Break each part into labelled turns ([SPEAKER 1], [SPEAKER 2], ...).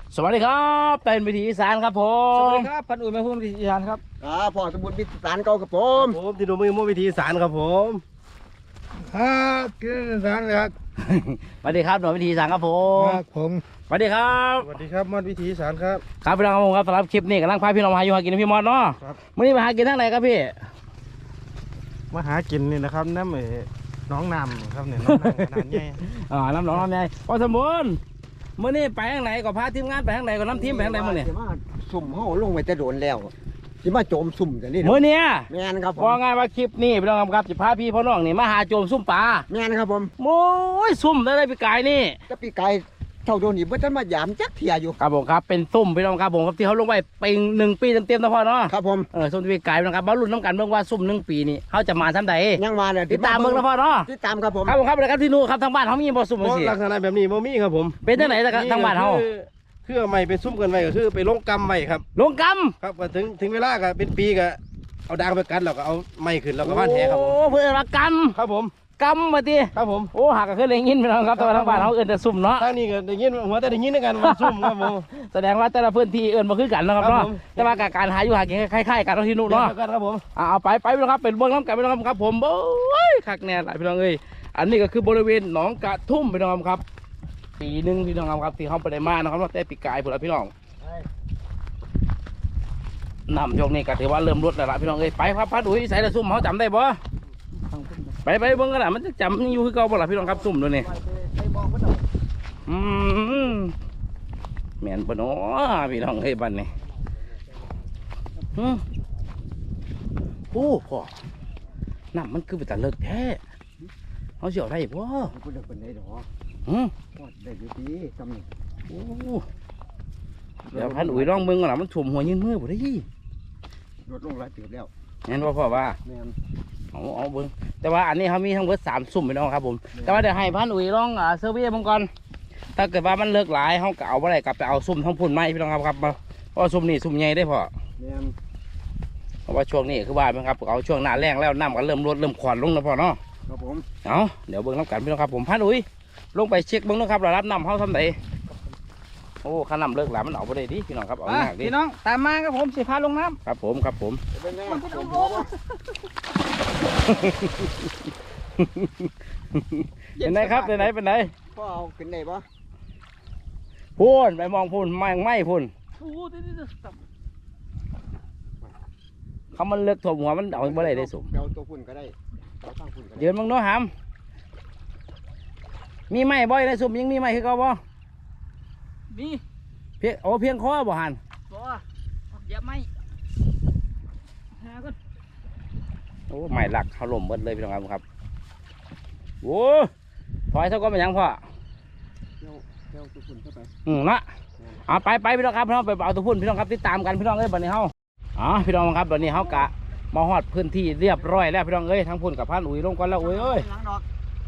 [SPEAKER 1] สวัสดีครับเป็นวิถีอีสานครับผ
[SPEAKER 2] สวัส
[SPEAKER 1] ม
[SPEAKER 2] ดีครับพันอุ่นมาพูดวิถีอีสานครับ
[SPEAKER 3] พ่อสมบูรณ์พิสารเก่ากับผม
[SPEAKER 4] ที่ดูมือมือวิธีสารครับผม
[SPEAKER 2] ครับกินอีสานครับ
[SPEAKER 1] สวัสดีครับหน่วยวิถีอีสานครับผม
[SPEAKER 2] ผม
[SPEAKER 1] สวัสดีครับ
[SPEAKER 4] สวัสดีครับมอดวิธีสารครับ
[SPEAKER 1] ครับพี่น้องครับผมครับสำหรับคลิปนี้กำลังพาพี่น้องมาหาอยู่หากินนะพี่มอดเนาะ
[SPEAKER 4] ครับ
[SPEAKER 1] วันนี้มาหากินทางไหนครับพี่
[SPEAKER 4] มาหากินนี่นะครับน้ำน้องน้ำครับเนี่ยน้องน้ำขนาดใหญ่
[SPEAKER 1] น้ำหนองน้ำใหญ่พอสมบูรณ์มื่อนี้ไปทางไหนก็พาทีมงานไปทางไหนก็น้ำทีมไปทางไหนมื่อนี้
[SPEAKER 3] สิมาสุ่มเฮาลงไปจะโดนแล้วสิมาโจมสุ่มแต่นี่
[SPEAKER 1] มื่อเนี้ย
[SPEAKER 3] แม่นครับผม
[SPEAKER 1] ว่าไงว่าคลิปนี้พี่น้องครับจะพาพี่พ่อน้องนี่มาหาโจมซุ่มปลา
[SPEAKER 3] แม่นครับผม
[SPEAKER 1] โอ้ยซุ่มได้พี่กายนี่
[SPEAKER 3] จะปีไก่เท่าโดนนี่เพิ่นมายามจักเที่ยอยู่
[SPEAKER 1] ครับผมครับเป็นซุ่มพี่น้องครับผมครับที่เขาลงไปเป็น1 ปีเต็มๆนะพ่อเนาะ
[SPEAKER 3] ครับผม
[SPEAKER 1] ซุ่มที่พี่กายพี่น้องครับมาลุ้นน้ำกันเบิ่งว่าซุ่ม1 ปีนี่เขาจะมาทำใด
[SPEAKER 3] ยังมาเนี่ย
[SPEAKER 1] ติดตามเบิ่งนะพ่อเนาะ
[SPEAKER 3] ติดตามครับผม
[SPEAKER 1] ครับผมครับเลยครับที่นู่นครับทางบ้านเขามีบ่ซุ่ม
[SPEAKER 4] เพราะ
[SPEAKER 1] สิ
[SPEAKER 4] ลักษณะแบบนี้บ่มีครับผม
[SPEAKER 1] เป็นจังไหนทางบ้านเขา
[SPEAKER 4] คือเอาไม้ไปซุ่มกันไว้ก็คือไปลงกำไว้ครับ
[SPEAKER 1] ลงก
[SPEAKER 4] ครับก็ถึงเวลาก็เป็นปีก็เอาดางไปกันแล้วก็เอาไม้ขึ้นแล้ว
[SPEAKER 1] ำ
[SPEAKER 4] ก็ว่านแหครับผม
[SPEAKER 1] โอ้เพื่อนรักก
[SPEAKER 4] ครับผม
[SPEAKER 1] ำกำมาดิ
[SPEAKER 4] ครับผม
[SPEAKER 1] โอ้หักก็คือเลยยินพี่น้องครับแต่ว่าทางบ้านเขาเอิ้นแต่ซุ่มเนาะ
[SPEAKER 4] ทางนี้ก็ได้ยินหัวแต่ได้ยินด้วยกันว่าซุ่มครับผม
[SPEAKER 1] แสดงว่าแต่ละพื้นที่เอิ้นบ่คือกันเนาะครับ
[SPEAKER 4] ครับ
[SPEAKER 1] เนาะ
[SPEAKER 4] ผม
[SPEAKER 1] แต่ว่าการหาอยู่หากินคล้ายๆกันเนาะที่นู่นเนาะ
[SPEAKER 4] เดียวกันครับผม
[SPEAKER 1] เอาไปพี่น้องครับเป็นเบื้องน้ำกันพี่น้องครับผมโอ้ยคักแน่หลายพี่น้องเอ้ยอันนี้ก็คือบริเวณหนองกระทุ่มพี่น้องครับปีหนึงพี่น้องครับที่เขาไปได้มานะครับแต่ปีกายพุ่นละพี่น้องน้ำช่วงนี้ก็ถือว่าเริ่มลดแล้วล่ะพี่น้องเอ้ยไปครับพัดอุ้ยใส่ละซุ่มเขาจำได้บ่ไปเบิ่งกันล่ะมันจะจำยังอยู่คือเก่าบ่ล่ะพี่น้องครับซุ่มตัวนี้แม่นบ่เนาะพี่น้องเอ้ยบัดนี้โอ้พ่อน้ำมันคือไปแต่เลิกแท้เขาเสียวได้บ่
[SPEAKER 3] กูเลิกเป็นได้ดอก
[SPEAKER 1] อืม
[SPEAKER 3] ได้อยู่ดีจำนี่
[SPEAKER 1] โอ้เดี๋ยวพันอุ้ยลองเบิ่งกันล่ะมันถ่วมหัวยืนมือบ่ได้
[SPEAKER 3] ลดลงหลายเติบแล้ว
[SPEAKER 1] งั้นว่าพ่อว่า
[SPEAKER 3] แม่น
[SPEAKER 1] เอาเบิ่งแต่ว่าอันนี้เขามีทั้งหมด3 ซุ่มพี่น้องครับผมแต่ว่าเดี๋ยวให้พันอุ้ยลองเซอร์เวย์เบิ่งก่อนถ้าเกิดว่ามันเลิกหลายเขาก็เอาบ่ได้กลับไปเอาซุ่มทั้งพุ่นไม้พี่น้องครับเพราะว่าซุ่มนี่ซุ่มใหญ่ได้พ่อ
[SPEAKER 3] แม่น
[SPEAKER 1] เพราะว่าช่วงนี้คือว่าไหมครับเอาช่วงหน้าแรงแล้วน้ำก็เริ่มลดเริ่มขวานลงแล้วพ่อเนาะ
[SPEAKER 3] ครับผม
[SPEAKER 1] เอาเดี๋ยวเบิ่งน้ำกันพี่น้องครับผมพันอุ้ยลงไปเช็คเบิ่งนะครับเรารับน้ำเขาทำไดโอ้ข้าน้ำเลิกหลายมันเอาไปได้ดิพี่น้องครับเอาหนักดิ
[SPEAKER 2] พี่น้องตามมาครับผมสิพาลงน้
[SPEAKER 1] ครับผมครับผม
[SPEAKER 3] เป็นไงผม
[SPEAKER 1] เป็นไหนครับเป็นไหนเป็นไหน
[SPEAKER 3] พ่อเอาขึ้นได้ปะ
[SPEAKER 1] พูนไปมองพูนไม่พูน
[SPEAKER 2] ำโอ้เดี๋ยว
[SPEAKER 1] เขามันเลิกถ่วมหัวมันเอาไปได้สม
[SPEAKER 3] เอาตัวฝุ่นก็ได้เอาตั้งฝุ่นก็ได้
[SPEAKER 1] ยืนมึงโน้หามมีไม้บ่อยในสุ่มยังมีไม้คือเก่าบ่
[SPEAKER 2] มี
[SPEAKER 1] เพียงคอบ่หัน
[SPEAKER 2] บ่อย่าไม่หาก็
[SPEAKER 1] โอ้ไม้หลักเขาล่มเบิดเลยพี่น้องครับโอ้ถอยเท่าก็เป็นยังพ่อ
[SPEAKER 3] เอาตัวฝุ่นเข้าไป
[SPEAKER 1] นะเอาไปพี่น้องครับพี่น้องไปเอาตัวพุ่นพี่น้องครับติดตามกันพี่น้องเอ้ยบัดนี้เฮาพี่น้องครับบัดนี้เฮากะมาฮอดพื้นที่เรียบร้อยแล้วพี่น้องเอ้ยทั้งพุ่นกับพันอุ้ยลงก่อนแล้วอุ้ยเอ้ย
[SPEAKER 3] ล้างดอก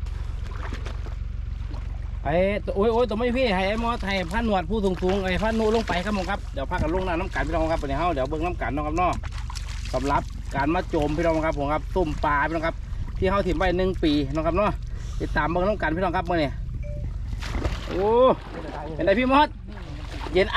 [SPEAKER 1] ไอ้โอ้ยตัวไม่พี่ให้ไอ้มอสให้พันหนวดผู้สูงไอ้พันนูลงไปครับผมครับเดี๋ยวพักกันลงน้ำกันพี่น้องครับบัดนี้เฮาเดี๋ยวเบิ่งน้ำกันน้องครับน้องสำหรับการมาโจมพี่น้องครับผมครับตุ่มปลาพี่น้องครับที่เฮาถิ่มไว้1 ปีน้องครับเนาะติดตามเบิ่งน้ำกันพี่น้องครับเมื่อนี้โอ้เป็นไรพี่มอสเย็น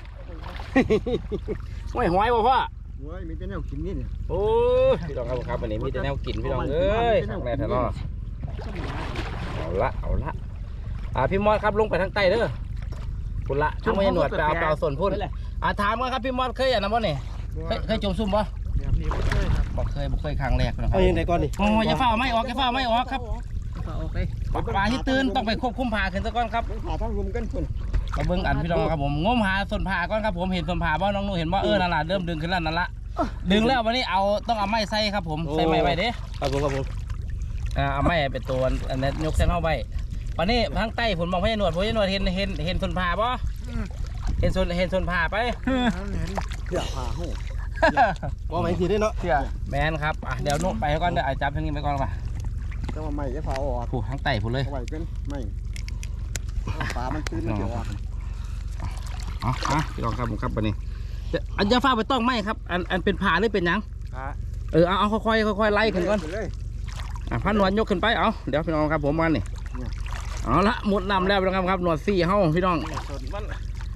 [SPEAKER 1] ไม่หอยบ่พ่อ
[SPEAKER 3] โอ้ยมีแต่แนวกินนี่เนี่ย
[SPEAKER 1] โอ้พี่น้องครับวันนี้มีแต่แนวกินพี่น้องเอ้ยแน่แท้เนาะเอาละพี่มอสครับลงไปทางใต้เด้อพุ่นละทางไม่หนวดไปเอาส่วนพุ่นถามกันครับพี่มอสเคยอย่างนั้นบ่เนี่ยเคยจมซุ่มบ่
[SPEAKER 3] แบบนี้ไม่เคยครับ
[SPEAKER 1] บ่เคยครั้งแรกนะครั
[SPEAKER 4] เอาอย่างไรก่อนนี่
[SPEAKER 1] โอ้ยอย่าเฝ้าไม่ออกครับ
[SPEAKER 2] โอเค
[SPEAKER 1] ปลาที่ตื่นต้องไปควบคุมผ่าขึ้นซะก่อนครับ
[SPEAKER 3] ต้องหาทั้งรุมกันฝุ่น
[SPEAKER 1] มาเบิ่งอันพี่น้องครับผมงมหาส่วนผ่าก่อนครับผมเห็นส่วนผ่าบ่น้องหนูเห็นบ่นั่นล่ะเริ่มดึงขึ้นแล้วนั่นละดึงแล้ววันนี้ต้องเอาไม้ใส่ครับผมใส่ไม้ไว้เด้
[SPEAKER 4] ครับผม
[SPEAKER 1] เอาไม้เป็นตัวอันนี้ยกเส้นเข้าไปวันนี้ทางใต้ผมมองพญาหนวดเห็นส่วนผ่าบ่เห็นส่วนผ่าไป
[SPEAKER 3] เสื้อผ้าหู
[SPEAKER 4] ว่าไม่ทีได้เนาะ
[SPEAKER 1] แมนครับเดี๋ยวนุ่ไปก่อนเดี๋ยวจับทางนี้ไปก่อนป่ะ
[SPEAKER 3] ต้องมาใหม่จะเผาออก
[SPEAKER 1] ผูทางใต้ผูเลย
[SPEAKER 3] เอาไว้กันไม่ปลามันตื้นมันเดี๋ยวออก
[SPEAKER 1] พี่น้องครับผมครับวันนี้อันจะฟ้าไปต้องไหมครับอันเป็นผ่าหรือเป็นยังเอาค่อยไล่ขึ้นก่อน
[SPEAKER 3] เลย
[SPEAKER 1] พันหนวดยกขึ้นไปเดี๋ยวพี่น้องครับผมมันนี่เอาละหมดน้ำแล้วพี่น้องครับหนวด4เฮ้าพี่น้อง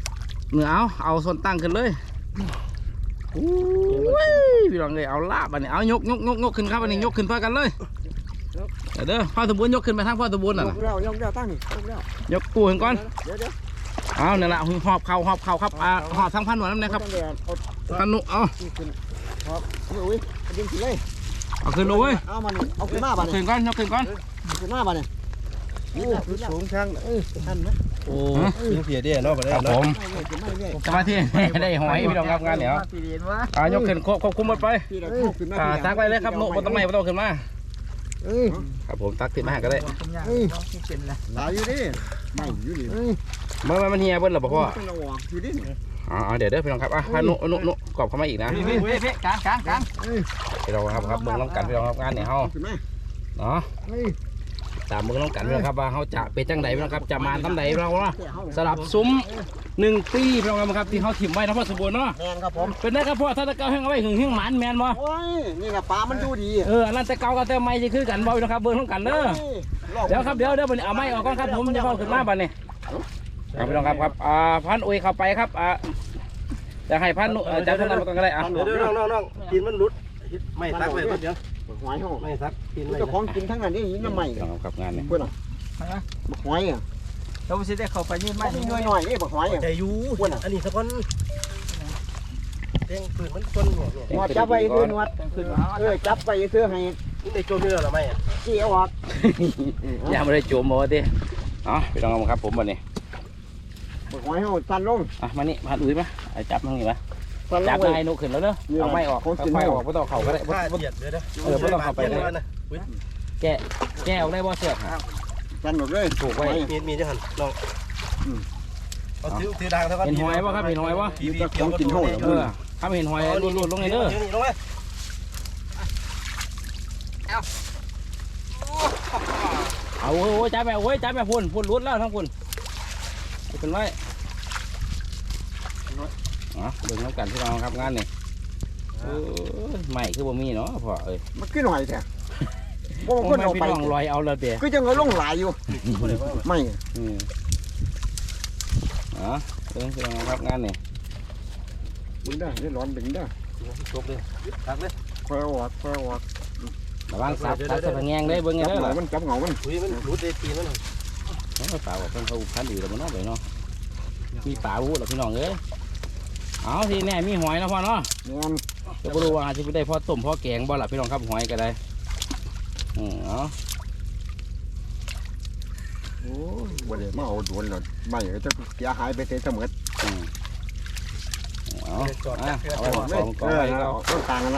[SPEAKER 1] เนื้อเอาส่วนตั้งขึ้นเลยโอ้ยพี่น้องเลยเอาลาบอันนี้เอายกขึ้นครับอันนี้ยกขึ้นพากันเลยเด้อพ่อสมบูรณ์ยกขึ้นไปทางพ่อสมบูรณ์น่ะ
[SPEAKER 3] ยกแล้วตั้งนี่ยกแล้ว
[SPEAKER 1] ยกปูขึ้นก่อน
[SPEAKER 3] เดี๋ยว
[SPEAKER 1] เอาเนี่ยแหละหอบเข่าครับหอบทั้งพันหนวดนั่นนะครับพันนุเอา
[SPEAKER 3] ครับอุ้ยดึงขึ้นเลย
[SPEAKER 1] เอาขึ้นเลยเว้ย
[SPEAKER 3] เอามันเอาขึ้นมาบ้าน
[SPEAKER 1] ขึ้นก่อนยกขึ้นก่อน
[SPEAKER 3] ขึ้นมาบ้านเนี่ยโอ้
[SPEAKER 4] สูงช่างท่านไหม
[SPEAKER 1] โอ้
[SPEAKER 4] ยิงเพียเดียเนาะบ่ได้
[SPEAKER 1] ครับผมสมาธิได้หอยพี่น้องครับงานเดี๋ยวย กขึ้นควบคุมหมดไปตักไปเลยครับนุบนต้นไม้ไม่ต้องขึ้นมาครับผมตักติดมาก็ได้
[SPEAKER 3] หลายอยู่ดิไม่อยู่ดิ
[SPEAKER 1] มันเฮียเบิ้ลหรอพ่อ
[SPEAKER 3] อยู่ดิ
[SPEAKER 1] เดี๋ยวพี่น้องครับพานุกรอบเข้ามาอีกนะ
[SPEAKER 2] พี่กลาง
[SPEAKER 1] พี่น้องครับเบิ้งน้องกันพี่น้องครับงานเนี่ยเฮา
[SPEAKER 3] ขึ้นมา
[SPEAKER 1] เนาะตามเบิ้งน้องกันพี่น้องครับว่าเขาจะเป็นจังไดพี่น้องครับจะมาทำไดพี่น้องเนาะสลับซุ้ม1 ปีพี่น้องครับที่เขาถิ่มไว้นะพ่อสมบูรณ์เนาะ
[SPEAKER 3] แมนครับผม
[SPEAKER 1] เป็นได้ครับพ่อถ้าตะเกาแห้งเอาไว้หึงหมันแมนบ่
[SPEAKER 3] โอ้ยนี่แหละปลามันดูดี
[SPEAKER 1] อันนั้นตะเกากับตะไม้จะคือกันบ่พี่น้องครับเบิ้งน้องกันเด้อเดี๋ยวครับเดี๋ยวเอาไม้ออกก่อนครับผมจะเข้าขึ้นมาบัดนี้พี่น้องครับพันอุ้ยเข้าไปครับจะให้พันจับท่านนั้นมาก่อนก็ได้
[SPEAKER 4] น้องกินมันรุดไม่ซักเลยเดี๋ยว
[SPEAKER 3] หอยห้อง
[SPEAKER 4] ไม่ซักกินไม่
[SPEAKER 3] เจ้าของกินทั้งนั้นนี่น้ำใหม่
[SPEAKER 1] พี่น้องครับงานนี้
[SPEAKER 3] เพื่อนหอยอ่ะ
[SPEAKER 2] เราสิได้เข้าไปยืนไม้
[SPEAKER 3] ไม่หน่อยนี่บักหอยอ่ะ
[SPEAKER 4] ใจยูอันนี้สักคนเด้งปืนมันคนหัวเนี่ย
[SPEAKER 3] หนวดจับไปซื้อหนวดจับไปซื้อให้
[SPEAKER 4] นี่ได้โจมเนื้อหรือไม่อ่ะ
[SPEAKER 3] เกี่ยวออก
[SPEAKER 1] ยังไม่ได้จุ่มบ่ดิพี่น้องครับผมบัดนี้
[SPEAKER 3] บักหอยห้องสั่นลง
[SPEAKER 1] มานี่พันอุ้ยมาจับตรงนี้มา
[SPEAKER 3] สั่นล
[SPEAKER 1] จับ
[SPEAKER 3] ง
[SPEAKER 1] นายนุขึ้นแล้วเด้อเอาไม้ออกค่อยๆออกไม่ต้องเข่าก็ได้
[SPEAKER 4] ผ้าเจียดเลยนะ
[SPEAKER 1] แกออกได้บ่เสือก
[SPEAKER 3] สั่นหมดเลย
[SPEAKER 1] ถูกไว้
[SPEAKER 4] มีจะหันลองเอาถือดังเท่ากัน
[SPEAKER 1] เห็นหอยบ่ครับเห็นหอยบ่
[SPEAKER 3] ของกินห้อง
[SPEAKER 1] ถ้าไม่เห็นหอยรูดลงเลยเด้อ
[SPEAKER 4] ลงไหม
[SPEAKER 1] เอาจับไปพุ่นรุดแล้วทั้งพุ่นเป็นไรเบิ่งน้ำกันพี่น้องครับงานนี่ไม่คือบ่มีเนาะพ่อเอ้ย
[SPEAKER 3] มันขึ้นหอยแท้พวก
[SPEAKER 1] ค
[SPEAKER 3] คน
[SPEAKER 1] น
[SPEAKER 3] เอา
[SPEAKER 1] พี่
[SPEAKER 3] ไป
[SPEAKER 1] น้องลอยเอาเลยเดี๋ยว
[SPEAKER 3] ก็ยังเอาลงหลายอยู่ไม่
[SPEAKER 1] เบิ่งพี่น้องครับงานนี่
[SPEAKER 3] ดึงได้ได้ร้อนดึงได้
[SPEAKER 4] จบเลยตักเลย
[SPEAKER 3] คอยออก
[SPEAKER 1] ระวังซับจะแงงได้เบิ่งไง
[SPEAKER 3] จับ
[SPEAKER 1] เด้อ
[SPEAKER 3] เหงามันจับเหงามัน
[SPEAKER 4] อุ้ยมันรุดได้ตีมัน
[SPEAKER 1] ป่าบอกเพิ่นเขาพันดีแล้วมันเนาะไปเนาะมีป่าวู้แล้วพี่น้องเอ้ยเอาทีแน่มีหอยนะพ่อเนาะ
[SPEAKER 3] งาน
[SPEAKER 1] จะบ่รู้ว่าจะไปได้พ่อต้มพ่อแกงบ่ล่ะพี่น้องครับหอยก็ได้เอา
[SPEAKER 3] โอ้ยวันนี้มาเอาโดนแล้วไม่ก็จะเสียหายไปเสมอ
[SPEAKER 1] เอาไว้ของกองไว้ก็
[SPEAKER 3] ต้นต่างกันละ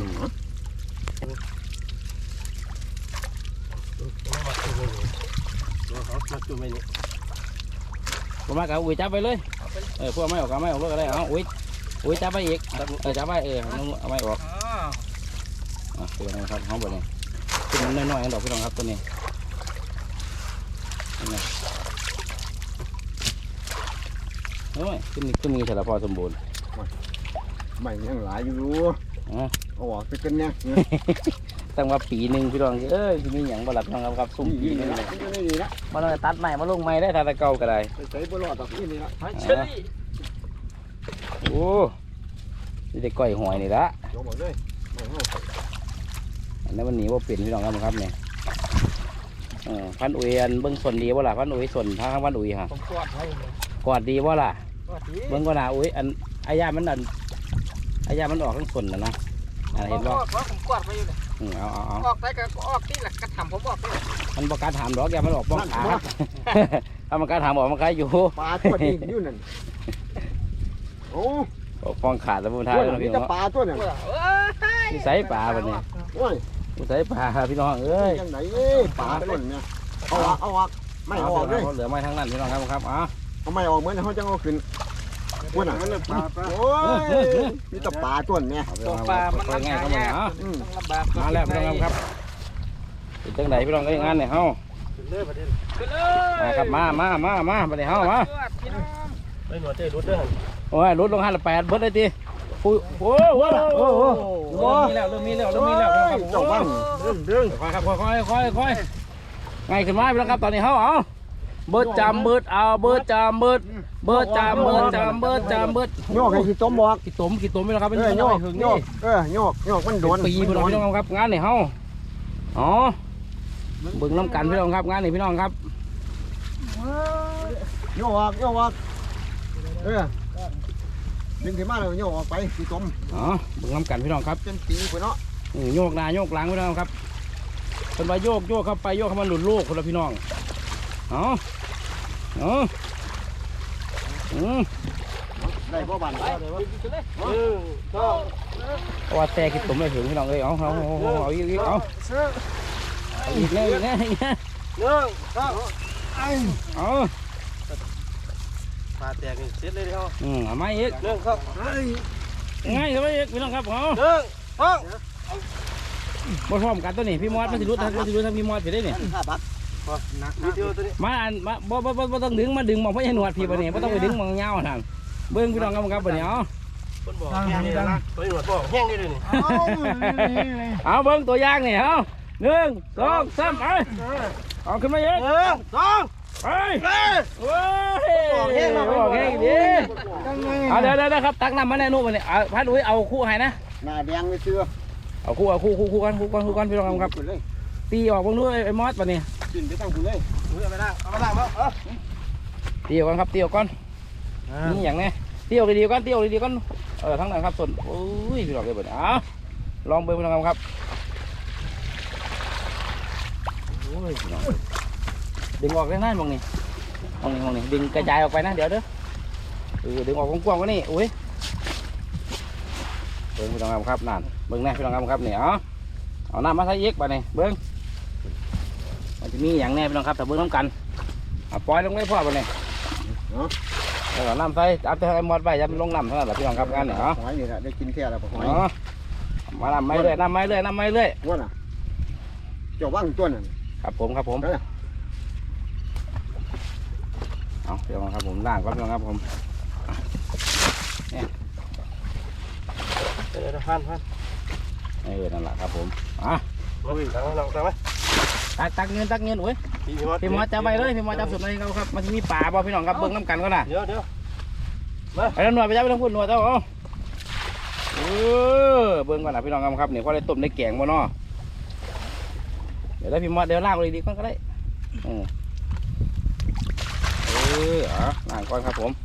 [SPEAKER 4] มาจุ่มไม่นี่
[SPEAKER 1] ผมมากับอุ้ยจับไปเลยพวกไม่ออกก็ไม่ออกก็ได้เอาอุ้ยจับไปอีกจับไปเอาไม่ออกเป็นไงครับห้องบนนี้เป็นน้อยๆดอกพี่น้องครับตัวนี้โอ้ยขึ้นมีสารพอสมบูรณ์
[SPEAKER 3] ไม่ยังหลายอยู่เอาออกไปกันเนี่ย
[SPEAKER 1] ตั้งว่าปีหนึ่งพี่น้องที่มีอย่างบลัดน้องครับซุ่มปีนึงเลยมาลองตัดใหม่มาลงใหม่ได้ถ้าตะเก่าก็ได้
[SPEAKER 3] ใส่บลอดแบบนี้ละ
[SPEAKER 2] เชย
[SPEAKER 1] โอ้นี่ได้ก้อยหอยนี่ละ
[SPEAKER 3] ยกหมดเลย
[SPEAKER 1] อันนั้นมันหนีว่าเปลี่ยนพี่น้องครับเนี่ยพันอุยอันเบิ้งส่วนดีว่าล่ะพันอุยส่วนทางพันอุยฮะ
[SPEAKER 2] ผมกอดไว้
[SPEAKER 1] กอดดีว่าล่ะ
[SPEAKER 2] กอดดี
[SPEAKER 1] เบิ้งก็น่าอุยอันอายามันออกทั้งส่วนนะเห็นบ่
[SPEAKER 2] ผมกอดไว้อยู่เลย
[SPEAKER 1] เอา
[SPEAKER 2] ออกได้ก็ออกที่หลักกระถำผมบอกเลย
[SPEAKER 1] มันบอกการถามดอกยามันออกป้องขาครับถ้ามันการถามบอกมันคล้ายอยู่
[SPEAKER 3] ปลาตัวนี้อยู่นั่นโอ้
[SPEAKER 1] ป้องขาแล้วมันท้าย
[SPEAKER 3] ตัวนี้จะปลาตัวเนี่ย
[SPEAKER 1] นี่ใส่ปลาแบบนี้
[SPEAKER 3] โอ้ย
[SPEAKER 1] ใส่ปลาพี่น้องเอ้ย
[SPEAKER 3] ยังไงปลาตัวเนี่ยเอาออกไม่ออกเลย
[SPEAKER 1] เหลือไม้ทั้งนั้นพี่น้องครับอ๋อ
[SPEAKER 3] เอาไม่ออกเหมือนเขาจะเอาขึ้นวันน่ะโอ้ยนี่จะปลาตัวเนี่ย
[SPEAKER 2] ปลามัน
[SPEAKER 1] ง่ายก็มาเนาะ
[SPEAKER 2] ต้องลำบาก
[SPEAKER 1] มาแล้วพี่น้องครับเป็นจังไดพี่น้องเอ้ยงานเนี่ยเฮา
[SPEAKER 4] ขึ้นเลยประเด็น
[SPEAKER 2] ขึ้นเล
[SPEAKER 1] มาครับมาไปเลยเฮามา
[SPEAKER 2] พี่น้อง
[SPEAKER 4] ไม่หนวดเจ้รุดเด้อ
[SPEAKER 1] โอ้ยลดลง5 8เบิดเลยติโอ้โหเริ่มมีแล้ว
[SPEAKER 3] เจ้าบ้าน
[SPEAKER 4] ดึง
[SPEAKER 1] ค่อยครับค่อยง่ายขึ้นมาพี่น้องครับตอนนี้เฮาเอาเบิดจามเบิดเอาเบิดจามเบิดเบิดจามเบิดจามเบิดจามเบิด
[SPEAKER 3] โยกให้ขี้ต้มบอก
[SPEAKER 1] กี่ต้มไม่แล้วครับเป็น
[SPEAKER 3] โย
[SPEAKER 1] น้อย
[SPEAKER 3] ก
[SPEAKER 1] หึง
[SPEAKER 3] โย
[SPEAKER 1] นี่
[SPEAKER 3] กโยกมันโดน
[SPEAKER 1] ปีพี่น้องครับงานนี่เฮาอ๋อเบิ่งน้ำกันพี่น้องครับงานนี่พี่น้องครับ
[SPEAKER 3] โยกดึงขึ้นมาเลยโยกออกไปขี้ต้ม
[SPEAKER 1] อ๋อเบิ่งน้ำกันพี่น้องครับ
[SPEAKER 3] เป็นปีไปเนาะ
[SPEAKER 1] โยกหน้าโยกหลังพี่น้องครับเป็นว่าโยกเข้าไปโยกเข้ามาหลุดโลกคนละพี่น้องอ๋อ
[SPEAKER 3] ได้บ่บันได้บ่
[SPEAKER 1] เพราะว่าแต่กินตุ่มเลยถึงพี่น้องเลยเอาอีกเอาอีกแน่เอา
[SPEAKER 4] ปลาแตกเสร็จเลยเดียว
[SPEAKER 1] เอาไม่อีก
[SPEAKER 4] เรื่องครับ
[SPEAKER 1] ง่ายเลยพี่น้องครับเอา
[SPEAKER 4] เรื่องห้อง
[SPEAKER 1] บ่พร้อมกันตัวนี้พี่มอสมันสิรู้ทางพี่มอสไปได้เนี่ย
[SPEAKER 4] วิดีโอตัวนี้
[SPEAKER 1] มาอ่านมาบ่ต้องดึงมาดึงมองเพราะยันหนวดพี่ปะเนี่ยบ่ต้องไปดึงมองเงานั่นเบิ้งพี่น้องครับปะเนี่ย
[SPEAKER 4] คนบอกแห้งนี่นะตัวนี้หนวดบอกแห้งนี่เลยนี่
[SPEAKER 1] เอาเบิ้งตัวอย่างนี่เอา1 2 3ไปเอาขึ้นมาเยอะ
[SPEAKER 4] 2
[SPEAKER 1] ไปโอ้ยบอกแห้งดีเอาเดี๋ยวครับตักน้ำมาแน่นู่นมาเนี่ยพัดอุ้ยเอาคู่ให้นะ
[SPEAKER 3] หน้าแดงไม่เชื่อ
[SPEAKER 1] เอาคู่กันพี่น้องครับตีออกเบิ้งนู้นไอ้มอสปะเนี่ย
[SPEAKER 3] กินไปตั้งคุณเลย
[SPEAKER 4] เอาไปล่างเอามาล่างเนาะ
[SPEAKER 1] ตีออกกันครับตีออกก่อนนี่อย่างนี้ตีออกดีๆก่อนทั้งนั้นครับส่วนโอ้ยพี่น้องเลยปะเนี่ยเอาลองเบิ้งพี่น้องครับโอ้ยพี่น้องดึงออกได้ง่ายมองนี่ดึงกระจายออกไปนะเดี๋ยวเด้อดึงออกกว้างๆก็นี่อุ้ยเบิ้งพี่น้องครับนั่นเบิ้งแน่พี่น้องครับเนี่ยเอาน้ำมาใส่เย็กไปนี่เบิ้งมันจะมีอย่างแน่พี่น้องครับแต่เบิ้งน้ำกันปล่อยลงไม่พอไปนี่แล้วน้ำใส่เอาแต่ไอ้มอดไปจะลงน้ำเท่านั้นแหละพี่น้องครับงานเนี่ย
[SPEAKER 3] หอยนี่แหละได้กินแค่แล้วหอย
[SPEAKER 1] มาน้ำไม่เรื่อย
[SPEAKER 3] ว่าน่ะเจ้าว่างตัวนั่น
[SPEAKER 1] ครับผมเอาเดี๋ยวครับผมล่างก่อนครับผม
[SPEAKER 4] เดี๋ยวพัน
[SPEAKER 1] นั่นแหละครับผม
[SPEAKER 4] ตักไหม
[SPEAKER 1] ตักเงินอุ้ยพี่มอสจับไปเลยพี่มอสจับสุดเลยครับมันจะมีป่าบ่พี่น้องครับเบิ้งน้ำกันก็น่ะ
[SPEAKER 4] เดี๋ยว
[SPEAKER 1] ไปแล้วหน่วยไปจับไปทั้งพุ่นหน่วยเจ้าเบิ้งก่อนนะพี่น้องครับเนี่ยพอได้ต้มได้แกงบ่เนาะเดี๋ยวได้พี่มอสเดี๋ยวล่างเลยดีก่อนก็ได้ล่างก่อนครับผม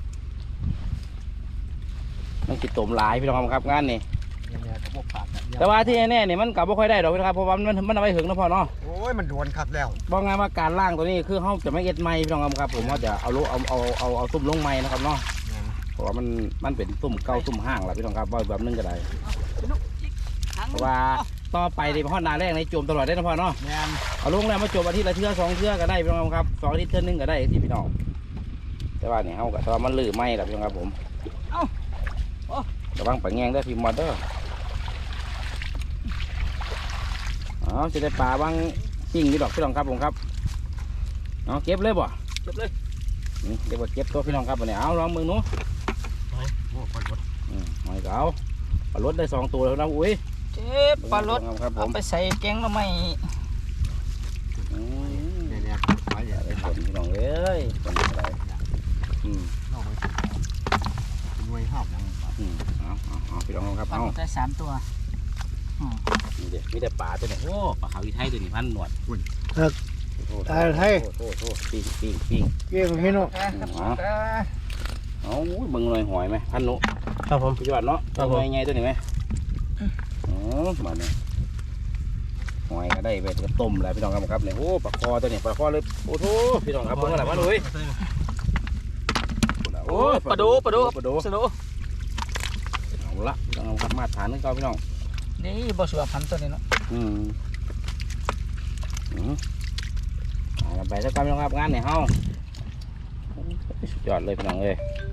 [SPEAKER 1] มันกินต้มหลายพี่น้องครับงานนี่แต่ว่าที่แน่เนี่ยมันกลับไม่ค่อยได้หรอกนะครับเพราะว่ามันเอาไปถึงนะพ่อเนาะ
[SPEAKER 3] โอ้ยมันโดนคักแล้ว
[SPEAKER 1] บอกไงว่าการล่างตัวนี้คือเขาจะไม่เอ็ดไม้พี่น้องครับผมว่าจะเอาตุ่มลงไม้นะครับเนาะเพราะว่ามันเป็นตุ่มเก่าตุ่มห้างแหละพี่น้องครับแบบนึงก็ได้เพราะว่าต่อไปในพ่อนาแรกในโจมตลอดได้นะพ่อเนาะเอาลงแล้วมาโจมอาทิตย์ละเทื่อ2 เทื่อก็ได้พี่น้องครับ2 อาทิตย์เทื่อนึงก็ได้ที่พี่น้องแต่ว่าเนี่ยเขาก็แต่ว่ามันลือไม้แหละพี่น้องครับผมระวังปะแงงได้พี่มอเตอร์จะได้ปลาบางจริงนี่ดอกพี่น้องครับผมครับเก็บเลยบ่เก็บเลยเดี๋ยวเก็บตัวพี่น้องครับวันนี้เอาลองมือหนูหอยเก๋าปลารสได้2 ตัวแล้วนะอุ้ย
[SPEAKER 2] เจ็บปลารสเอาไปใส่แกงแล้วไม่
[SPEAKER 3] เนี่ยหอย
[SPEAKER 1] ได้ผลพี่น้องเอ้ยผลอะไร
[SPEAKER 3] หน่วยห้ามนะ
[SPEAKER 1] เอาพี่น้องครับ
[SPEAKER 2] ปลา
[SPEAKER 1] เอา
[SPEAKER 2] ได้3 ตัว
[SPEAKER 1] มีแต่ปลาตัวนี้โอ้ปลาขาวอีไทยตัวนี้พันหนวด
[SPEAKER 4] ตายไทย
[SPEAKER 1] โทษปิ้ง
[SPEAKER 4] เกี่ยวพี่น้อง
[SPEAKER 1] เอาเบิ่งหน่อยหอยไหมพันหนู
[SPEAKER 4] ครับผม
[SPEAKER 1] พี่จวัดเนาะตัวใหญ่ตัวนี้ไหมมาเนี่ยหอยก็ได้ไปกระต้มแล้วพี่น้องครับเนี่ยโอ้ปลาคอตัวนี้ปลาคอเลยโอ้โหพี่น้องครับเบิ่งอะไรมาเลยโอ้ปลาโดสนุกเอาละพี่น้องครับมาฐานนึงเก่าพี่น้อง
[SPEAKER 2] นี่บ่สัวพันตัวนี้เนาะ
[SPEAKER 1] ไปสักการพี่น้องครับงานเนี่ยเฮาสุดยอดเลยพี่น้องเอ้ย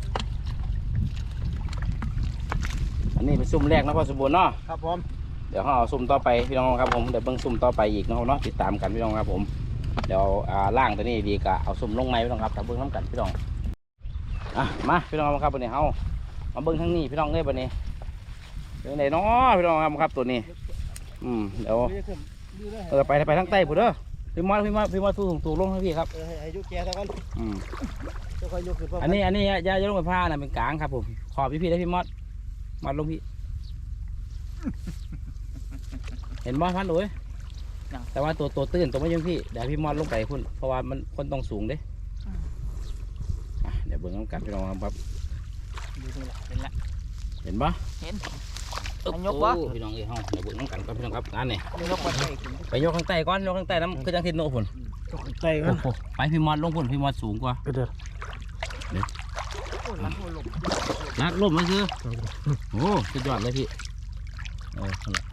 [SPEAKER 1] อันนี้เป็นซุ่มแรกนะพ่อสมบูรณ์เนาะ
[SPEAKER 3] ครับผม
[SPEAKER 1] เดี๋ยวเขาเอาซุ่มต่อไปพี่น้องครับผมเดี๋ยวเบิ่งซุ่มต่อไปอีกเนาะติดตามกันพี่น้องครับผมเดี๋ยวล่างตัวนี้ดีกะเอาซุ่มลงไม้พี่น้องครับแต่เบิ่งน้ำกันพี่น้องมาพี่น้องครับวันนี้เฮามาเบิ่งทั้งนี้พี่น้องเอ้ยวันนี้เป็นไหนเนาะพี่น้องครับตัวนี้เดี๋ยวไปทั้งใต้ผู้เด้อพี่มอดสู้สูงลงให้พี่ครับ
[SPEAKER 3] ให้ยุแกซะก่อน
[SPEAKER 1] อืม
[SPEAKER 3] จะค่อยยกขึ้น
[SPEAKER 1] อันนี้อย่าลงไปผ้านะเป็นกลางครับผมขอบพี่ได้พี่มอดลงพี่ เห็นบ่พันโอ้ยแต่ว่าตัวตื้นตัวไม่ยังพี่เดี๋ยวพี่มอดลงไปคุณเพราะว่ามันคนต้องสูงเด้เดี๋ยวเบิ่งน้ำกัดพี่น้องครับ
[SPEAKER 2] เป็นละ
[SPEAKER 1] เห็นบ่
[SPEAKER 2] เห็น
[SPEAKER 1] อึ๊บ
[SPEAKER 2] ยกบ่
[SPEAKER 1] โอ้พี่น้องเอ้ยเฮาเดี๋ยวเบิ่งน้ำกัดก่อนพี่น้องครับงานนี่
[SPEAKER 2] ยกมาใส่ขึ้น
[SPEAKER 1] ไปยกข้างใต้ก่อนยกข้างใต้น้ำคือจังทิศโน่พุ่น
[SPEAKER 4] ใจกัน
[SPEAKER 1] ไปพี่มอดลงพุ่นพี่มอดสูงกว่า
[SPEAKER 4] เด้อ
[SPEAKER 2] รักหัวหลบ
[SPEAKER 1] ลักลมมาซื้อโอ้สุดยอดเลยพี่นั่นแหละ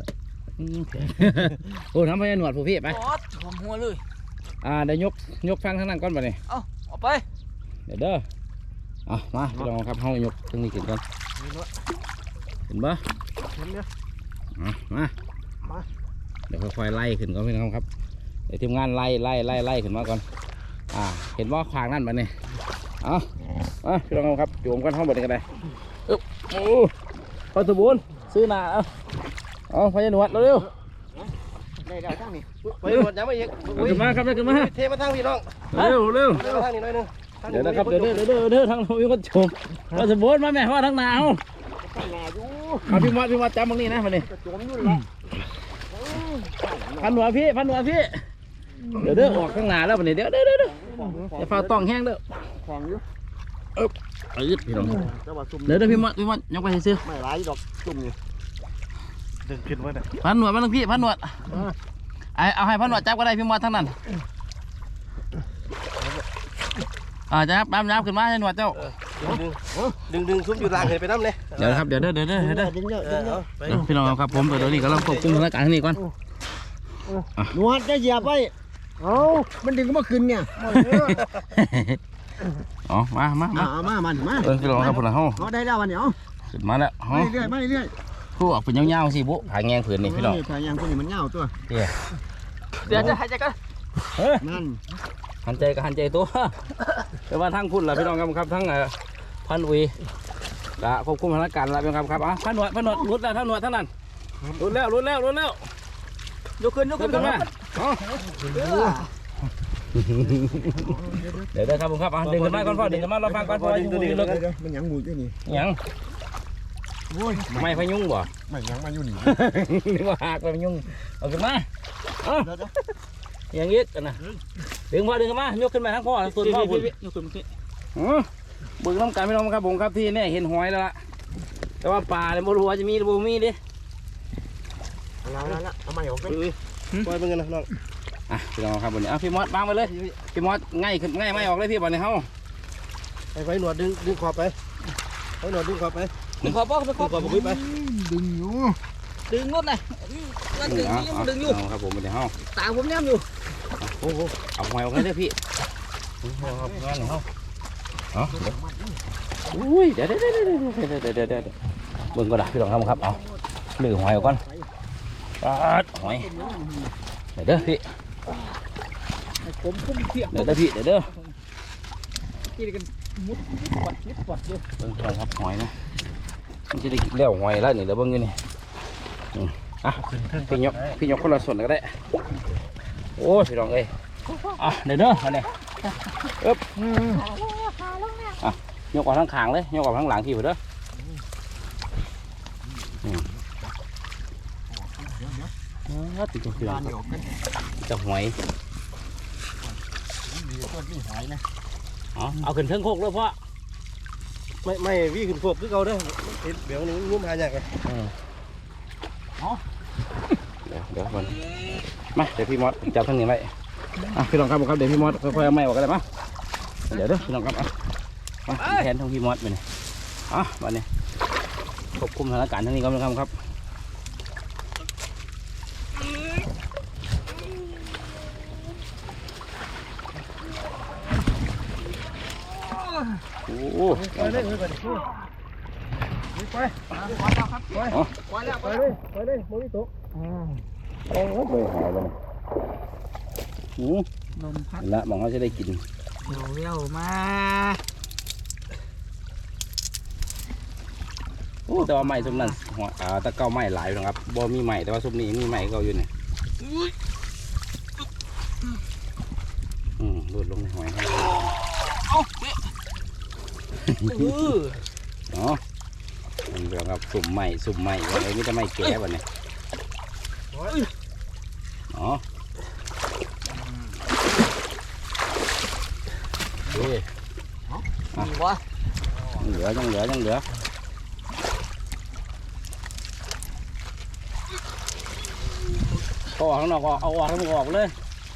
[SPEAKER 1] โอ้ทำให้หนวดผู้พี่ไป
[SPEAKER 2] โอ๊ตผมหัวเลย
[SPEAKER 1] เดี๋ยวยกฟังทางนั้นก่อนไปนี่
[SPEAKER 2] เอาออกไป
[SPEAKER 1] เดี๋ยวเด้อมาพี่น้องครับเฮายกตรงนี้ขึ้นก่อนเห็นบ่
[SPEAKER 4] เห็นเด้อ
[SPEAKER 1] มาเดี๋ยวค่อยๆไล่ขึ้นก่อนพี่น้องครับเดี๋ยวทีมงานไล่ขึ้นมาก่อนเห็นว่าขวางนั่นมาเนี่ยพี่น้องครับโยมกันห้องบดกันได้โอ้พอสมบูรณ์ซื้อหนาเอาพยาหนวดเร็ว
[SPEAKER 3] ได้ดาวทั้งนี้ไปหมดยังไม่อีก
[SPEAKER 1] ขึ้นมาครับขึ้นมา
[SPEAKER 3] เทมาทั้งพี่น้อง
[SPEAKER 1] เร็ว
[SPEAKER 3] เทมาทั้งนี้หน่อยนึง
[SPEAKER 1] เดี๋ยวนะครับเดี๋ยวทั้งเราก็ชมพอสมบูรณ์มาแม่พ่อทั้งหนาวพี่มอดจำตรงนี้นะมาเนี่ย
[SPEAKER 3] จมอยู่แล้ว
[SPEAKER 1] พันหัวพี่เดี๋ยวออกข้างหน้าแล้วมาเนี่ยเดี๋ยวจะเฝ้าต้องแห้งเด้อ
[SPEAKER 3] ของอยู่
[SPEAKER 1] พี่น้อง
[SPEAKER 3] แต่ว่าซุ่ม
[SPEAKER 1] เดี๋ยวพี่มอดยกไปซื้อ
[SPEAKER 3] ไม่ร้ายดอกซุ่มนี่
[SPEAKER 4] ดึงขึ้นไว้น่ะ
[SPEAKER 1] พันหนวดมาทั้งพี่พันหนวดเอาให้พันหนวดจับก็ได้พี่มอดทั้งนั้นจะครับน้ำขึ้นมาให้หนวดเจ้า
[SPEAKER 3] ดึงซุ่มอยู่ล่างเห็นไปน้ำเลย
[SPEAKER 1] เดี๋ยวครับเดี๋ยวพี่น้องครับผมเดี๋ยวนี้ก็เราควบคุมสถานการณ์ที่นี่ก่อน
[SPEAKER 3] นวดจะเหยียบไว้เอามันดึงมาขึ้นเนี่ย
[SPEAKER 1] อ๋อมา
[SPEAKER 3] มา
[SPEAKER 1] พี่น้องครับพวกเรา
[SPEAKER 3] เอาได้แล้ววันนี้เอา
[SPEAKER 1] ขึ้นมาแล้ว
[SPEAKER 3] ไม่เรื่อย
[SPEAKER 1] ผู้ออกเป็นยาวๆสิบุผาแงงผืนนี่พี่น้อง
[SPEAKER 3] ถ่ายยังคนนี้มันเงาตัว
[SPEAKER 2] เดี๋ยวจะหายใจกัน
[SPEAKER 3] นั่น
[SPEAKER 1] หันใจตัวแต่ว่าทั้งพุ่นล่ะพี่น้องครับทั้งพันอุยละควบคุมสถานการณ์ละพี่น้องครับพันหนวดรุดแล้วทั้งหนวดทั้งนั้นรุดแล้วยกขึ้นมาเดี๋ยวครับผมครับดึงขึ้นมาก่อนพ่อดึงขึ้นมาเราฟังก่อนพ่อดึงลึก
[SPEAKER 3] มันยังมูอยู่นี่
[SPEAKER 1] ยังไม่พยุงบ่
[SPEAKER 3] มันยังมาอยู่นี่
[SPEAKER 1] นึกว่าหักไปพยุงเอาขึ้นมาอย่างนี้กันนะดึงพ่อดึงขึ้นมายกขึ้นมาทั้งพ่อส่วนพ่อคุณยกขึ้นมาบึงน้ำกันไม่ต้องครับผมครับที่นี่เห็นหอยแล้วล่ะแต่ว่าป่าเนี่ยไม่รู้ว่าจะมีหรือไม่มีดิ
[SPEAKER 3] ละเอาใหม่ออกไปปล่อยเป็นกันนะน้อง
[SPEAKER 1] พี่น้องครับวันนี้พี่มอสวางไปเลยพี่มอสง่ายไม่ออกเลยพี่บ่เนี่ยเฮา
[SPEAKER 3] ไปหนวดดึงขอบไปหนวดดึงขอบไป
[SPEAKER 2] ดึงขอบบอกดึงขอบ
[SPEAKER 3] ขอบไปดึงอยู่
[SPEAKER 2] ดึงรถเลยนั่นดึงนี่มันดึงอยู่
[SPEAKER 1] ครับผมวันนี้เฮา
[SPEAKER 2] ตาผมแนมอยู่
[SPEAKER 1] โอ้โหเอาหอยออกเลยพี่ครับงานเฮาอุ้ยเดี๋ยวเบิ่งก็ได้พี่น้องครับเอาหนึ่งหอยก่อนหอยเดี๋ยวพี่
[SPEAKER 2] ผมพุ่มเทียบ
[SPEAKER 1] เดี๋ยวพี่เดี๋ยว
[SPEAKER 2] กินกันมุดปัดเยอะ
[SPEAKER 1] เบิ่งครับหอยนะมันจะได้กินแล้วหอยแล้วนี่เดี๋ยวเบิ่งอยู่นี่พี่ยกคนละส่วนก็ได้โอ้พี่น้องเอ้ยเดี๋ยวมาเนี่ยยกออกทั้งขางเลยยกออกทั้งหลังพี่เด้อติดตัวพี่น้องจะหอยเอาขึ้นเทิงโคกเลยพ่อ
[SPEAKER 3] ไม่วิ่งขึ้นโคกคือเขาเด้อเดี๋ยวนี้งุ้มหายากเลย
[SPEAKER 1] เดี๋ยวมันมาเดี๋ยวพี่มอสจับทั้งนี้ไว้พี่น้องครับเดี๋ยวพี่มอสค่อยๆเอาไม้ออกกันเลยมั้ยเดี๋ยวพี่น้องครับแทนทั้งพี่มอสไปนี่วันนี้ควบคุมสถานการณ์ทั้งนี้ครับโอ้ไปเลยโมนิโตโอ้ไปหายเลย
[SPEAKER 2] ลมพัด
[SPEAKER 1] ละมองเขาจะได้กิน
[SPEAKER 2] เร็วมา
[SPEAKER 1] โอ้แต่ว่าไม้ซุมนั้นตะเก้าไม้หลายนะครับบ่มีไม้แต่ว่าซุมนี้มีไม้เก่าอยู่นี่ดลงในหอยให้
[SPEAKER 2] เอาเป๊ะ
[SPEAKER 1] เนาะมันเรื่องครับสุ่มใหม่วันนี้จะไม่แก่วันนี้เนาะเฮ้ย
[SPEAKER 2] ดีวะ
[SPEAKER 1] ยังเหลือก็ออกข้างนอกเอาออกให้มันออกเลย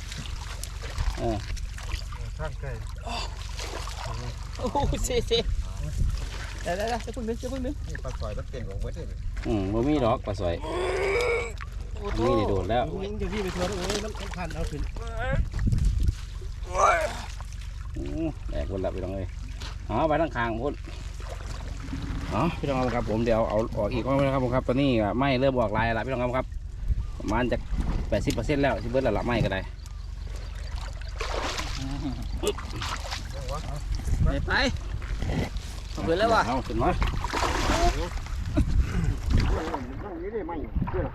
[SPEAKER 4] ข้างใกล้
[SPEAKER 2] โอ้โหเซ่ได้จะพึ่งนึง
[SPEAKER 3] นี่ปลาสอยมันเต้นของเว้ยเลย
[SPEAKER 1] บ่มีดอกปลาสวยนี่ได้โดดแล้ว
[SPEAKER 4] ยิงเดี๋ยวพี่ไปทัวร์โอ้ยน้ำพันเอาขึ้น
[SPEAKER 1] แดกคนละพี่น้องเลยไปทั้งคางพุ่นพี่น้องครับผมเดี๋ยวเอาออกอีกก็นะครับผมครับตอนนี้ไม้เริ่มออกลายแล้วพี่น้องครับประมาณจะ 80% แล้วที่เบิร์ดละไม้ก็ได้
[SPEAKER 2] ไปเอาไปแล้ววะ
[SPEAKER 1] เอาขึ้นมา
[SPEAKER 3] นี่ได้ไหมเพื่อน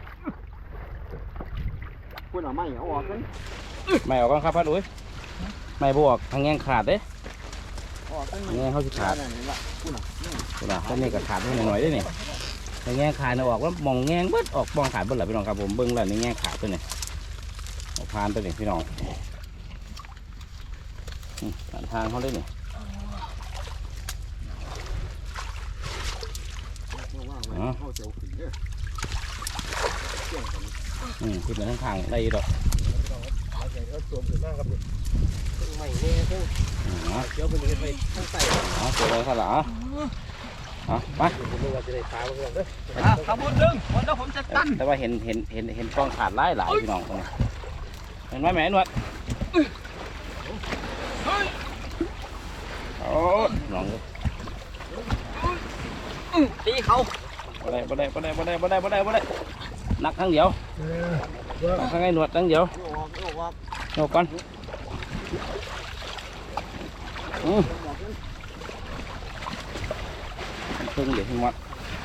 [SPEAKER 3] คุณเอาไหมเอาออกกัน
[SPEAKER 1] ไม่ออกก่อนครับพัดอุ้ยไม่บวกทางแง่งขาดเด้
[SPEAKER 3] ออกกัน
[SPEAKER 1] แง่งเขาสิขาด
[SPEAKER 3] นี่ละคุณอ่ะ
[SPEAKER 1] คุณอ่ะต้นนี้ก็ขาดนิดหน่อยได้นี่ทางแง่งขาดนะออกแล้วมองแง่งเบิดออกมองขาดเบิดหละพี่น้องครับผมเบิ้งแล้วนี่แง่งขาดตัวนี้ออกพานตัวนี้พี่น้องทางเขาเลยนี่
[SPEAKER 3] เขาเจียวขึ้นเนี่ย
[SPEAKER 1] ขึ้นมาทั้งทางได้ดอก
[SPEAKER 4] เอาตัวขึ้นมาครับต้นไม้เนี่ยเพิ่งเดี๋ยวเป็นกันไปข้างใต้
[SPEAKER 1] เจอเลยครับล่ะไป
[SPEAKER 4] ผมว่าจะได้ขาเพื่อนเด้อ
[SPEAKER 2] ขบวนดึงวันแล้วผมจะตั้น
[SPEAKER 1] แต่ว่าเห็นกล้องขาดหลายพี่น้องตรงนี้เห็นไหมแม่นวดโอ้น้อง
[SPEAKER 2] ตีเขา
[SPEAKER 1] บ่ได้นักทั้งเดียวทั้งไอ้หนวดทั้งเดียวโยกก่อนเพิ่งเดี๋ยวพี่มด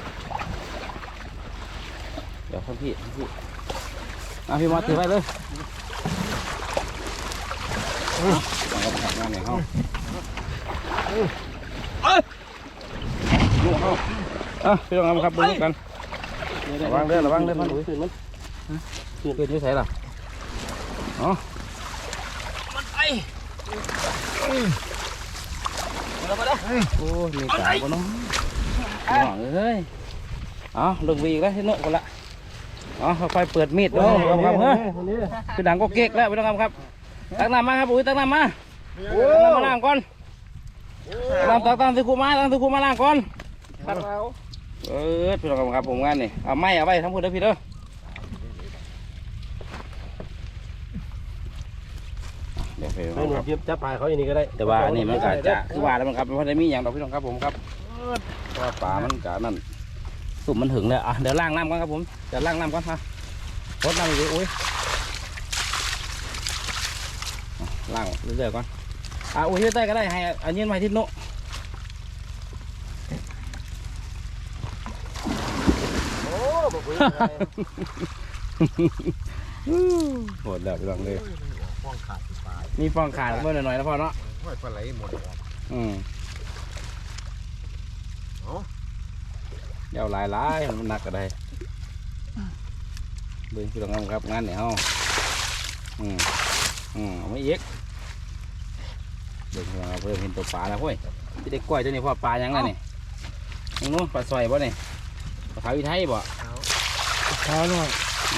[SPEAKER 1] เดี๋ยวพี่พี่มดถือไปเลยลองกับงานไหนเขาพี่ลองครับดูกันระวังเด้อพันอุ้ยขึ้นอยู่ใส่ล่ะ
[SPEAKER 2] มันไปมาแล้ว
[SPEAKER 1] โอ้มีสายบ่น้องหวังเอ้ยลงวีแล้วที่โน่นคนละค่อยเปิดมีดดูครับเฮ้ยคือดังก็เก๊กแล้วพี่น้องครับตักน้ำมาครับอุ้ยตักน้ำมาล้างก่อนตักตะคูมาล้างก่อนพี่น้องครับผมงานนี่เอาไม้เอาไว้ทั้งหมดเลยพี่เด้อเดี๋ยวพี่น้องครับ
[SPEAKER 4] จับปลาเขาอย่างนี้ก็ได้
[SPEAKER 1] แต่ว่าอันนี้มันก็จะคือว่าแล้วมันครับมันพอได้มีอย่างดอกพี่น้องครับผมครับเพราะว่าปลามันก็นั่นสุ่มมันถึงเลยเดี๋ยวล้างน้ำก่อนครับผมเดี๋ยวล้างน้ำก่อนรดน้ำอยู่อุ้ยล้างเรื่อยๆก่อนอุ้ยที่ใต้ก็ได้ให้อันนี้มาที่โน่โหดแล้วพี่น้องเลย
[SPEAKER 3] ฟองขาดปลา
[SPEAKER 1] มีฟองขาดเมื่อหน่อยๆแล้วพอเนาะ
[SPEAKER 3] ห้อยปลาไหลหมด
[SPEAKER 1] เดี๋ยวหลายมันหนักก็ได้เบิ่งพี่น้องครับงานเนี่ยเฮาไม่เยกเบิ่งพี่น้องเพิ่มเห็นตัวปลาแล้วเฮ้ยที่ได้กล้วยตัวนี้พ่อปลายังไงนี่ยังนู้นปลาซอยบ่เนี่ยปลาขาวอีไทยบ่
[SPEAKER 4] ขาหน่อย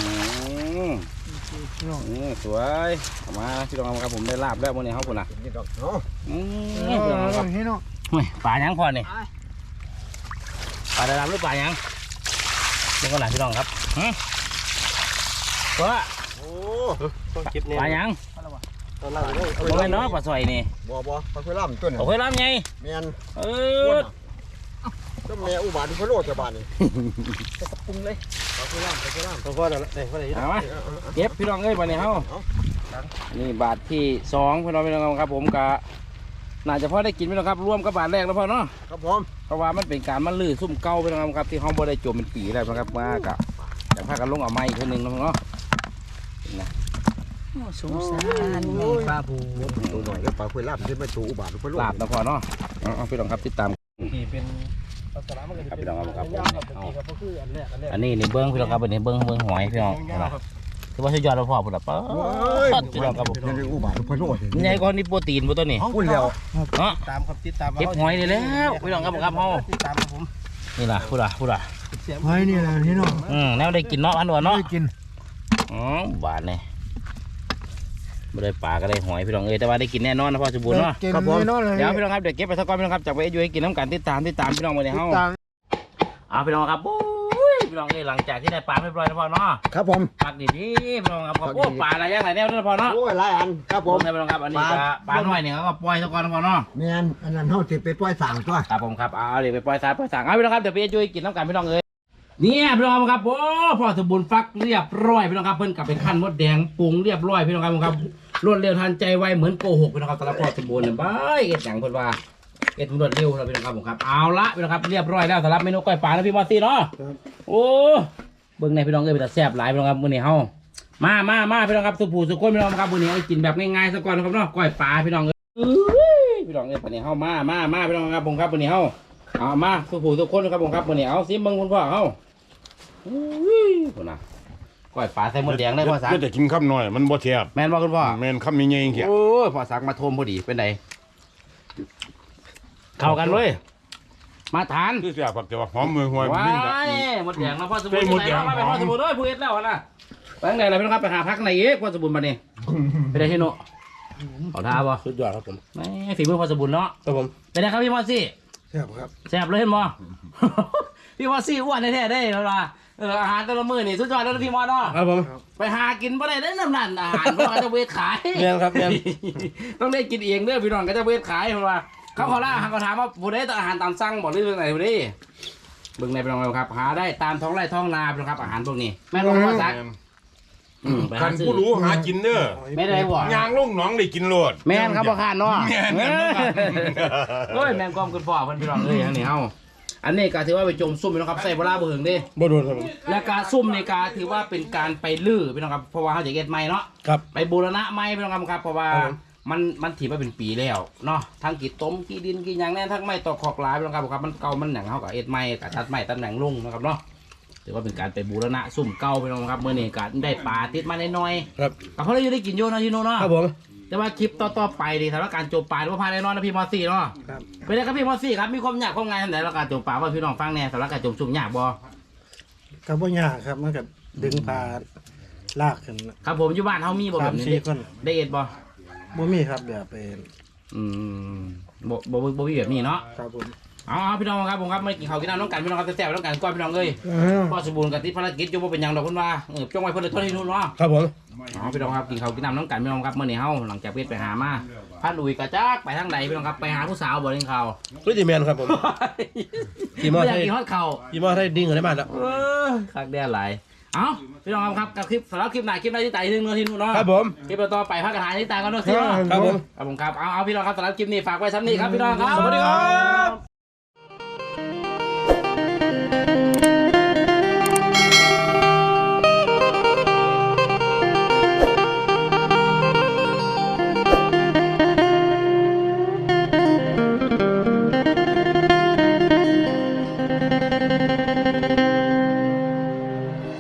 [SPEAKER 1] สวยออกมาพี่น้องครับผมได้ลาบแล้ววันนี้เขาคนน่ะ
[SPEAKER 3] นี่ดอกเนาะ
[SPEAKER 1] พี่น้องครับ
[SPEAKER 4] ให้เนาะ
[SPEAKER 1] ปลายังพอนี่ปลาได้ลาบหรือปลายังนี่ก็หลายพี่น้องครับตัว
[SPEAKER 3] โอ้
[SPEAKER 4] ต้องเก็บเนี่ย
[SPEAKER 1] ปลายัง
[SPEAKER 4] ตอนนั้นเลย
[SPEAKER 1] โอ้ยเนาะปลาซอยนี่
[SPEAKER 3] บ่ปลาคุยล่ำตัวนี้
[SPEAKER 1] โอ้ยลาบไง
[SPEAKER 3] แม่น ก็แม่อุบาทพะโลดจะบานนี่
[SPEAKER 2] ปรุงเลย
[SPEAKER 3] ปลาคุยล่ำ
[SPEAKER 4] ตัวพ่อนั่นแหละพ่อไหน
[SPEAKER 1] เอามาเก็บพี่น้องเอ้ยวันนี้เขานี่บาทที่2พี่น้องครับผมกะน่าจะพอได้กินพี่น้องครับรวมกับบาทแรกแล้วพ่อเนาะ
[SPEAKER 3] ครับผม
[SPEAKER 1] เพราะว่ามันเป็นการมันลื้อซุ่มเก่าพี่น้องครับที่ห้องบ่ได้จมเป็นปีแล้วนะครับมากะอย่างพากันลงเอาไม้อีกคนหนึ่งเนาะนะ
[SPEAKER 2] สงสารแม่ปลาบู
[SPEAKER 3] ตัวหน่อยก็ปลาคุยลาบขึ้นมาตัวอุบาทไปโล
[SPEAKER 1] ลาบนะพ่อเนาะเอาพี่น้องครับติดตาม
[SPEAKER 4] ที่เป็นลักษณะมันก็จะเป็น
[SPEAKER 1] ครับพี่น้องครับ
[SPEAKER 4] ยาวๆครับคืออันแรก
[SPEAKER 1] อันนี้นี่เบิ้งพี่น้องครับอันนี้เบิ้งหอยพี่น้องคือว่าสุดยอดแล้วพ่อพุ่นล่ะป๊าดพี่น้องครับผม
[SPEAKER 3] ยังอุบาทไปโลด
[SPEAKER 1] ใหญ่กว่านี่โปรตีนบ่ตัวนี้
[SPEAKER 3] พูดแล้ว
[SPEAKER 1] เนาะ
[SPEAKER 4] ตามครับติดตาม
[SPEAKER 1] เก็บหอยได้แล้วพี่น้องครับผมครับเฮา
[SPEAKER 4] ติดตามครับผม
[SPEAKER 1] นี่ล่ะพูดล่ะ
[SPEAKER 3] หอยนี่แหละพี่น้อง
[SPEAKER 1] แนวได้กินเนาะอันนวลเนาะ
[SPEAKER 3] ได้กิน
[SPEAKER 1] บาทนี่ไม่ได้ปลาก็ได้หอยพี่น้องแต่ว่าได้กินแน่นอนนะพ่อสมบูรณ์เนาะ
[SPEAKER 3] ครับผม
[SPEAKER 1] เดี๋ยวพี่น้องครับเดี๋ยวเก็บไปสักก้อนพี่น้องครับจากไปอยู่ให้กินน้ำกันติดตามพี่น้องมาเนี่ยเฮาเอาพี่น้องครับโอ้ยพี่น้องหลังจากที่ได้ปลาเรียบร้อยแล้วพ่อเนาะ
[SPEAKER 3] ครับผม
[SPEAKER 1] ปักดีพี่น้องครับโอ้ปลาอะไรอย่างไรแนวนั่นพ่อเนาะ
[SPEAKER 3] โอ้ยหลายอันครับผม
[SPEAKER 1] พี่น้องครับอันนี้ปลาหน่อยเนี่ยเขาก็ปล่อยสักก้อนพ่อเนาะ
[SPEAKER 3] แม่นอันนั้นเฮาสิไปปล่อยสั่งตัว
[SPEAKER 1] ครับผมครับเอาเดี๋ยวไปปล่อยสั่งเอาพี่น้องครับเดี๋ยวไปอยู่ให้กินน้ำกันพี่น้องเนี่ยพี่น้องครับโอ้พ่อสมบูรณ์ฟักเรียบร้อยพี่น้องครับเพิ่นกลับไปขั้นมดแดงปรุงเรียบร้อยพี่น้องครับรวดเร็วทันใจไวเหมือนโกหกพี่น้องครับสำหรับพ่อสมบูรณ์เนี่ยบ้ายเอ็ดอย่างเพิ่นว่าเอ็ดรวดเร็วเราพี่น้องครับผมครับเอาละพี่น้องครับเรียบร้อยแล้วสำหรับเมนูก้อยปลานะพี่มอสซี่เนาะโอ้เบิ่งในพี่น้องเป็นแต่แซ่บหลายพี่น้องครับมื้อนี้เฮามาพี่น้องครับสุผู้สุคนพี่น้องครับมื้อนี้เอากินแบบง่ายๆซะก่อนนะครับเนาะก้อยปลาพี่น้องพี่น้องมื้อนี้เฮามาพี่น้องครับผมครับมื้อนี้เฮาเอามาสุผู้สุคนครับผมครับมื้อนี้เอาซิเบิ่งคุณพ่อเฮาคุณน่ะก้อยปลาใส่หมดแดงได้พ่อสัก
[SPEAKER 5] ก็จะกินข้าวหน่อยมันบ่แซ่บ
[SPEAKER 1] แม่นบ่คุณพ่อ
[SPEAKER 5] แม่นข้าวมีเงี้ยเขีย
[SPEAKER 1] โอ้ยพ่อสักมาโทมพอดีเป็นไงเข้ากันเลยมาทาน
[SPEAKER 5] คือแซ่บแต่ว่าหอมมือหวย
[SPEAKER 1] ว้า
[SPEAKER 5] มันแบบ
[SPEAKER 1] ยหมดแดงนะพ่อสมบูรณ์
[SPEAKER 5] หมดแดง
[SPEAKER 1] ไปพ่อสมบูรณ์เลยผู้เอ็ดแล้วนะไปทางไหนล่ะพี่น้องครับไปหาพักไหนเอ๊ะพ่อสมบูรณ์มาเนี่ยไปได้ที่โน่เอาท่าบ่
[SPEAKER 4] สุดยอดครับผม
[SPEAKER 1] แหม่ฝีมือพ่อสมบูรณ์เนาะ
[SPEAKER 4] ครับผม
[SPEAKER 1] เป็นไงครับพี่มอสซี่
[SPEAKER 3] แซ่บครับ
[SPEAKER 1] แซ่บเลยเห็นบ่ พี่มอสซี่อ้วนแท้ๆได้เวลาอาหารแต่ละมื้อนี่สุดยอดแล้วนะพี่มอสเนาะ
[SPEAKER 4] ครับผม
[SPEAKER 1] ไปหากินบ่ได้น้ำนั่นอาหารเพราะว่าจะเวทขาย
[SPEAKER 4] เมียนครับเมียน
[SPEAKER 1] ต้องได้กินเองเด้อพี่น้องก็จะเวทขายเพราะว่าเขาขอล่าเขาถามว่าผู้ใดต้องอาหารตามสั่งบอกหรือเรื่องไหนผู้ใดเบิ่งในพี่น้องครับหาได้ตามท้องไร่ท้องนาพี่น้องครับอาหารพวกนี้แม่นบ่พ่อซักไป
[SPEAKER 5] คั
[SPEAKER 1] หาน ซื้อ
[SPEAKER 5] ผู้รู้หากินเด้อ
[SPEAKER 1] ไม่ได้บ่
[SPEAKER 5] ยางลงหนองได้กินโลด
[SPEAKER 1] แม่นครับบ่คานเนาะ
[SPEAKER 5] แม่นครับบ่คาน
[SPEAKER 1] โอ้ยแม่นความคุณพ่อเพิ่นพี่น้องเอ้ยอันนี้เฮาอันนี้ก็ถือว่าไปจมซุ่มพี่น้องครับใส่เวลาบ่ถึงเด้
[SPEAKER 4] บ่โดนครับผม
[SPEAKER 1] และการซุ่มในการถือว่าเป็นการไปลื้อพี่น้องครับเพราะว่าเขาจะเก็ดใหม่เนาะ
[SPEAKER 4] ครับ
[SPEAKER 1] ไปบูรณะใหม่พี่น้องครับเพราะว่า
[SPEAKER 4] ครับผม
[SPEAKER 1] มันถือว่าเป็นปีแล้วเนาะทั้งกี่ต้มกี่ดินกี่หยังแน่ทั้งไม้ตอกขอกหลายพี่น้องครับมันเก่ามันหนังเขากับเอ็ดใหม่กับตัดไม้ตัดหนังลงนะครับเนาะถือว่าเป็นการไปบูรณะซุ่มเก่าพี่น้องครับเมื่อนี้ก็ได้ปลาติดมาน้อย
[SPEAKER 4] ครับ
[SPEAKER 1] ๆก็เขาได้กินโยนนะที่โน่นเนาะ
[SPEAKER 4] ครับผม
[SPEAKER 1] แต่ว่าคลิปต่อๆไปดีสำหรับการโจมปลาหรือว่าพาแน่นอนนะพี่มอสซี่เนาะ
[SPEAKER 4] ครับ
[SPEAKER 1] เป็นไงครับพี่มอสซี่ครับมีความยากความง่ายทางไหนแล้วการโจมปลาว่าพี่น้องฟังแน่สำหรับการโจมซุ่มยากบ่
[SPEAKER 4] ก็บ่ยากครับมันก็ดึงปลาลากขึ้น
[SPEAKER 1] ครับผมอยู่บ้านเขามีบ่แบบนี้
[SPEAKER 4] 3-4คน
[SPEAKER 1] ได้เอ็ดบ่
[SPEAKER 4] บ่มีครับแบบเป็น
[SPEAKER 1] อืมบ่มีแบบนี้เนาะ
[SPEAKER 4] ครับผม
[SPEAKER 1] เอาพี่น้องครับผมครับไม่กินข้าวกินน้ำน้องกันพี่น้องครับแซ่บๆน้องกันก้อนพี่น้องเลยพ่อสมบูรณ์กับที่ภารกิจอยู่ว่าเป็นหยังดอกคุณว่าจ้องไว้เพื่อนเลยต้นที่นู่นเนาะ
[SPEAKER 4] ครับผม
[SPEAKER 1] เอาพี่น้องครับกินข้าวกินน้ำน้องกันพี่น้องครับเมื่อนี้เฮาหลังจากไปหามาพาลุยกระจักไปทางใดพี่น้องครับไปหาผู้สาวบ่เล่นข้าว
[SPEAKER 4] รู้จิแมนครับผม กี่หม้อ
[SPEAKER 1] ไม่อยาก
[SPEAKER 4] ไทย
[SPEAKER 1] กินฮอดข้าว
[SPEAKER 4] ยี่ห้อได้ดิ้งอะไรบ้างแล้ว
[SPEAKER 1] คักแด่หลายเอาพี่น้องครับกับคลิปสำหรับคลิปไหนคลิปไหนที่ไต่ที่นู่นที่นู่นเนาะ
[SPEAKER 4] ครับผม
[SPEAKER 1] คลิปต่อไปพักกระถางที่ไต่กันเนาะสิเนาะ
[SPEAKER 4] ครับผม
[SPEAKER 1] ครับผมครับเอาพี่น้องครับสำหรับคลิปนี้ฝากไว้ซ้ำนี้ครับพี่น้องครับ
[SPEAKER 4] สวัสดีครับ